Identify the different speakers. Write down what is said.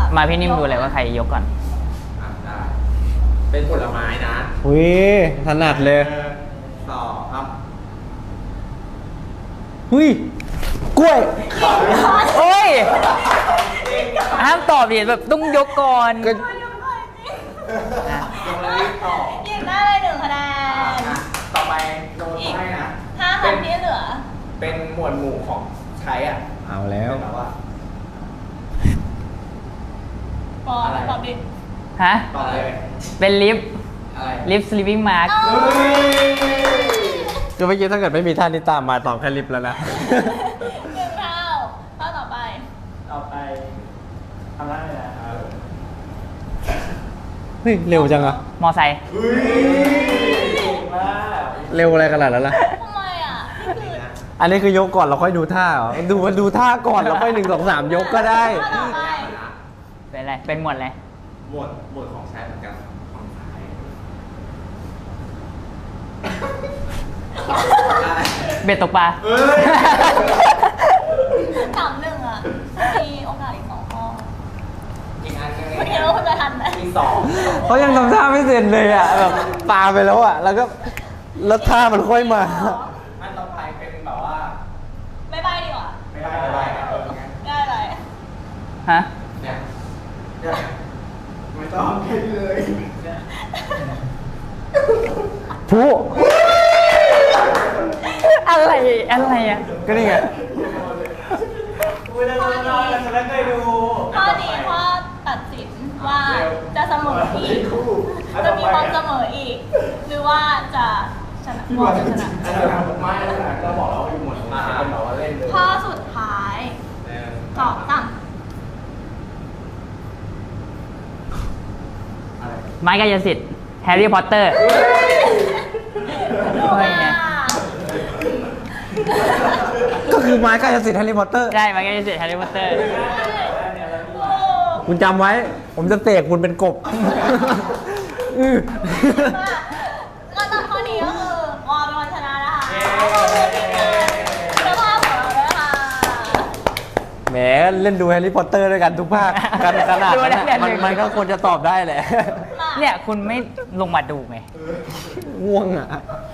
Speaker 1: มาพี่นิ่มดูเลยว่าใครยกก่อน
Speaker 2: ได้เป็นผลไม้นะ
Speaker 3: อุ้ยถนัดเลย
Speaker 2: ต่อครับ
Speaker 3: หุ้ยกล้วย
Speaker 1: โอ้ยห้ามตอบดิแบบต้องยกก่อน
Speaker 2: ยกเลยต่อ
Speaker 4: หยิบได้เลย1 คะแนน
Speaker 2: ต่อไปโดนให้นะ
Speaker 4: 5 คำที่เหลือ
Speaker 2: เป็นหมวดหมู่ของใช้อ่ะ
Speaker 3: เอาแล้ว
Speaker 2: แบบว่า
Speaker 4: ตอบดิ
Speaker 1: ฮะ
Speaker 2: ต่อเลย
Speaker 1: เป็นลิฟต์
Speaker 2: อะไร
Speaker 1: ลิฟต์ sleeping mask
Speaker 3: ก็เมื่อกี้ถ้าเกิดไม่มีท่านี้ตามมาตอบแค่ลิฟต์แล้วนะ
Speaker 4: 1 เท่าข้อต่อไป
Speaker 2: ทำได้เลยนะ
Speaker 3: เฮ้ยเร็วจังอะ
Speaker 1: มอไซค์
Speaker 3: เร็วอะไรขนาดนั้นล่ะ
Speaker 4: ทำไมอ่ะนี่คือ
Speaker 3: อันนี้คือยกก่อนเราค่อยดูท่าเหรอดูท่าก่อนแล้วค่อย1 2 3ยกก็ได้
Speaker 4: ข้อต่อไป
Speaker 1: เป็นอะไรเป็นหมวดอะไร
Speaker 2: หมวดของใช้เหมือนกันของใช้
Speaker 1: เบ็ดตกปลา
Speaker 4: 3-1อ่ะมีโอกาสอีก2 ข้อ
Speaker 2: อีกอันนึง
Speaker 4: คุณคิดว่าคุณจะทันไหม
Speaker 2: อีก2
Speaker 3: เขายังทำท่าไม่เสร็จเลยอ่ะแบบปาไปแล้วอ่ะแล้วท่ามันค่อยมา
Speaker 2: อันต่อไปเป็นแบบว่า
Speaker 4: ไม่ใบ้ดีกว่า
Speaker 2: ไม่ได้ไม่ได้
Speaker 4: ได้อะไร
Speaker 1: ฮะ
Speaker 2: เนี่ยไม่ต้องคิดเลย
Speaker 3: ผู้
Speaker 1: อะไรอ่ะ
Speaker 3: ก็นี่ไง
Speaker 4: ข้อนี้ข้อตัดสินว่าจะเสมออีกจะมีความเสมออีก หรือว่าจะชนะบอลจะชนะ
Speaker 2: ไม่เราบอกแล้วว่าอยู่หมวดมาเป็นแบบว่าเล่นเลย
Speaker 4: ข้อสุดท้ายตอบตั้ง
Speaker 1: ไม้กายสิทธิ์แฮร์รี่พอตเตอร์
Speaker 4: ถูกอ่ะ
Speaker 3: ก็คือไม้กายสิทธิ์แฮร์รี่พอตเตอร์
Speaker 1: ใช่ไม้กายสิทธิ์แฮร์รี่พอตเตอร์
Speaker 3: คุณจำไว้ ผมจะเสกคุณเป็นกบ
Speaker 4: ก็ตอนข้อนี้ก็คือวอลเป็นคนชนะนะคะขอบคุณทีมงานเจ้าภาพของเราด้วยค่ะ
Speaker 3: แหมเล่นดูแฮร์รี่พอตเตอร์ด้วยกันทุกภาคกันขนาดนั้นอะมันก็ควรจะตอบได้แหละ
Speaker 1: เนี่ยคุณไม่ลงมาดูไง
Speaker 3: ง่วงอ่ะ